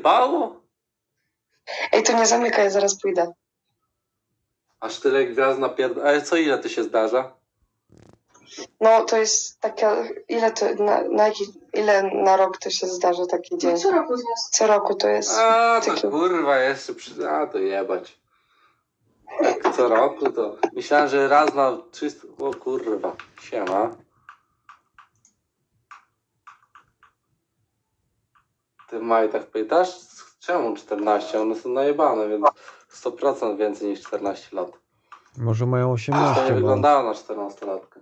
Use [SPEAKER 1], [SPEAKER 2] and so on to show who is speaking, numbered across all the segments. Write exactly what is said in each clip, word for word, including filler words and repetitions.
[SPEAKER 1] rozjebało?
[SPEAKER 2] Ej, to nie zamykaj, ja zaraz pójdę.
[SPEAKER 1] Aż tyle gwiazd napierd... Ale co ile to się zdarza?
[SPEAKER 2] No, to jest taka... Ile to... Na, na jaki, ile na rok to się zdarza taki dzień?
[SPEAKER 3] No co roku z nas.
[SPEAKER 2] Co roku to jest...
[SPEAKER 1] A, to
[SPEAKER 2] taki...
[SPEAKER 1] kurwa jeszcze przy... A, to jebać. Jak co roku to... Myślałem, że raz na trzysta... O kurwa. Siema. Ty Maj tak pytasz? Czemu czternaście? One są najebane, więc sto procent więcej niż czternaście lat.
[SPEAKER 4] Może mają
[SPEAKER 1] To
[SPEAKER 4] osiemnaście,
[SPEAKER 1] nie
[SPEAKER 4] bo...
[SPEAKER 1] wyglądało na czternastolatkę.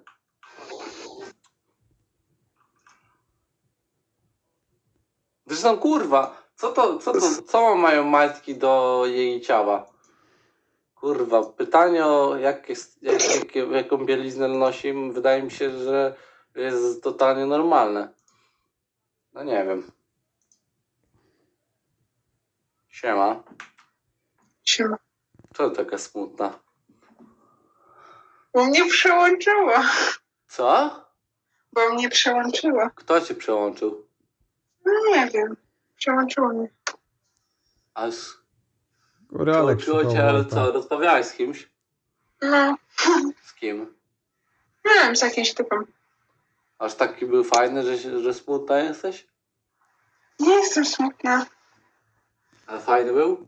[SPEAKER 1] Zresztą kurwa, co to, co to, co mają majtki do jej ciała? Kurwa, pytanie o jak jest, jak, jak, jaką bieliznę nosi, wydaje mi się, że jest totalnie normalne. No nie wiem. Siema.
[SPEAKER 2] Siema.
[SPEAKER 1] Co taka smutna?
[SPEAKER 2] Bo mnie przełączyła.
[SPEAKER 1] Co?
[SPEAKER 2] Bo mnie przełączyła.
[SPEAKER 1] Kto cię przełączył?
[SPEAKER 2] No nie wiem. Przełączyło mnie.
[SPEAKER 1] Aż
[SPEAKER 4] Koralek
[SPEAKER 1] przełączyło cię, ale co, rozmawiałeś z kimś?
[SPEAKER 2] No.
[SPEAKER 1] Z kim?
[SPEAKER 2] Nie wiem, z jakimś typem.
[SPEAKER 1] Aż taki był fajny, że, się- że smutna jesteś?
[SPEAKER 2] Nie jestem smutna.
[SPEAKER 1] A fajny był?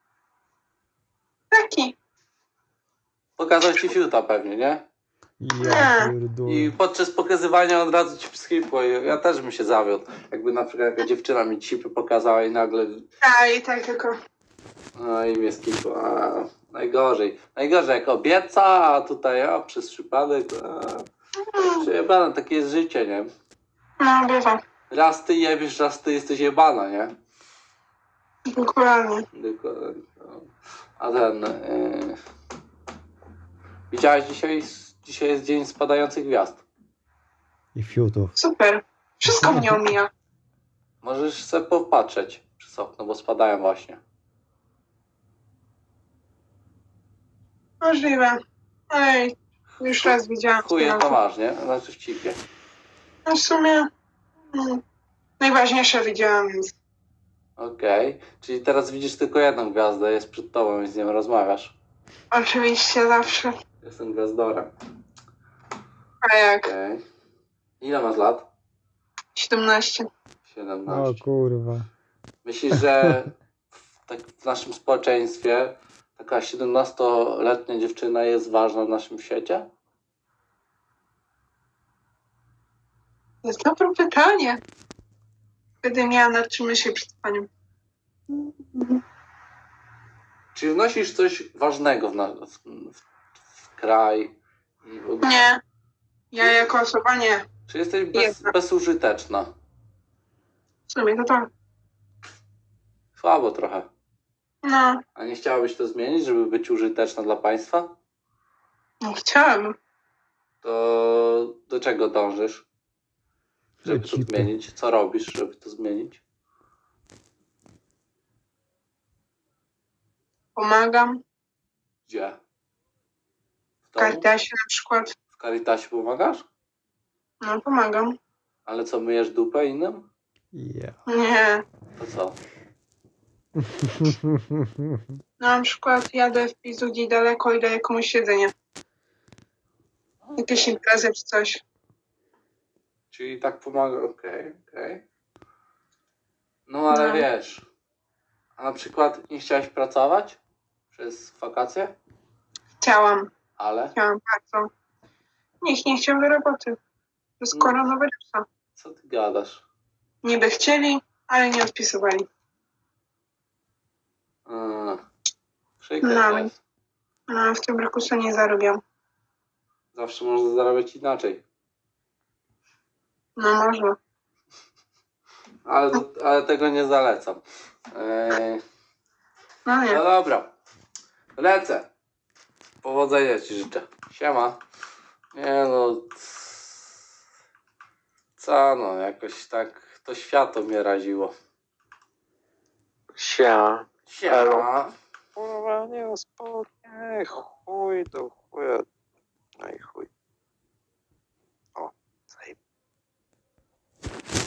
[SPEAKER 2] Taki.
[SPEAKER 1] Pokazał ci fiuta pewnie, nie?
[SPEAKER 4] Ja pierdolę.
[SPEAKER 1] I podczas pokazywania od razu ci wschipło. I ja też bym się zawiódł. Jakby na przykład jaka dziewczyna mi cipy pokazała i nagle...
[SPEAKER 2] A, i tak tylko.
[SPEAKER 1] No i mnie skipło. A, najgorzej. Najgorzej jak obieca, a tutaj a, przez przypadek... A, przejebane, takie jest życie, nie?
[SPEAKER 2] No, bywa.
[SPEAKER 1] Raz ty jebiesz, raz ty jesteś jebana, nie?
[SPEAKER 2] Dokładnie.
[SPEAKER 1] Dokładnie. A ten... Yy... Widziałeś dzisiaj... Dzisiaj jest dzień spadających gwiazd.
[SPEAKER 4] I fiutów.
[SPEAKER 2] Super. Wszystko mnie omija.
[SPEAKER 1] Możesz sobie popatrzeć przez okno, bo spadają właśnie.
[SPEAKER 2] Możliwe. Ej, już raz widziałam.
[SPEAKER 1] Chuje to masz, nie? Znaczy w cipie.
[SPEAKER 2] No w sumie... Mm, najważniejsze widziałam, więc...
[SPEAKER 1] Okej. Czyli teraz widzisz tylko jedną gwiazdę, jest przed tobą i z nią rozmawiasz.
[SPEAKER 2] Oczywiście zawsze.
[SPEAKER 1] Jestem gwiazdorem.
[SPEAKER 2] A jak?
[SPEAKER 1] Okej. Ile masz lat?
[SPEAKER 2] siedemnaście.
[SPEAKER 4] O
[SPEAKER 1] siedemnaście.
[SPEAKER 4] kurwa.
[SPEAKER 1] Myślisz, że w, tak w naszym społeczeństwie taka siedemnastoletnia dziewczyna jest ważna w naszym świecie?
[SPEAKER 2] To jest dobre pytanie. Wtedy miała nad czym myśleć przed panią.
[SPEAKER 1] Czy wnosisz coś ważnego w, na, w, w, w kraj? I w ogóle?
[SPEAKER 2] Nie. Ja jako osoba nie.
[SPEAKER 1] Czy jesteś bez,
[SPEAKER 2] Jedna.
[SPEAKER 1] bezużyteczna?
[SPEAKER 2] W sumie to tak.
[SPEAKER 1] Słabo trochę.
[SPEAKER 2] No,
[SPEAKER 1] A nie chciałabyś to zmienić, żeby być użyteczna dla państwa?
[SPEAKER 2] no chciałabym.
[SPEAKER 1] To do czego dążysz? Żeby to
[SPEAKER 4] Cipy.
[SPEAKER 1] zmienić? Co robisz, żeby to zmienić?
[SPEAKER 2] Pomagam.
[SPEAKER 1] Gdzie? W
[SPEAKER 2] W
[SPEAKER 1] domu?
[SPEAKER 2] Caritasie na przykład.
[SPEAKER 1] W Caritasie pomagasz?
[SPEAKER 2] No, pomagam.
[SPEAKER 1] Ale co, myjesz dupę innym?
[SPEAKER 4] Ja.
[SPEAKER 2] Nie.
[SPEAKER 1] To co?
[SPEAKER 2] No, na przykład jadę w Pizudzi daleko i daję komuś jedzenie. Jakieś imprezy czy coś.
[SPEAKER 1] Czyli tak pomaga, okej, okej. No ale
[SPEAKER 2] No.
[SPEAKER 1] wiesz, a na przykład nie chciałeś pracować przez wakacje?
[SPEAKER 2] Chciałam.
[SPEAKER 1] Ale?
[SPEAKER 2] Chciałam bardzo. Nikt nie chciał do roboty. To jest
[SPEAKER 1] No.
[SPEAKER 2] koronawirusa.
[SPEAKER 1] Co ty gadasz?
[SPEAKER 2] Niby chcieli, ale nie odpisywali.
[SPEAKER 1] Yy, przykre
[SPEAKER 2] No.
[SPEAKER 1] to jest.
[SPEAKER 2] No, w tym roku sobie nie zarobiłam.
[SPEAKER 1] Zawsze można zarabiać inaczej.
[SPEAKER 2] No, może.
[SPEAKER 1] Ale, to, ale tego nie zalecam. Yy,
[SPEAKER 2] No
[SPEAKER 1] no
[SPEAKER 2] nie.
[SPEAKER 1] dobra. Lecę. Powodzenia ci życzę. Siema. Nie no. Co no, jakoś tak to światło mnie raziło.
[SPEAKER 5] Sia.
[SPEAKER 1] Siema.
[SPEAKER 5] Kurwa, nie spokój. Chuj do chuja. No i chuj. O, zajeb.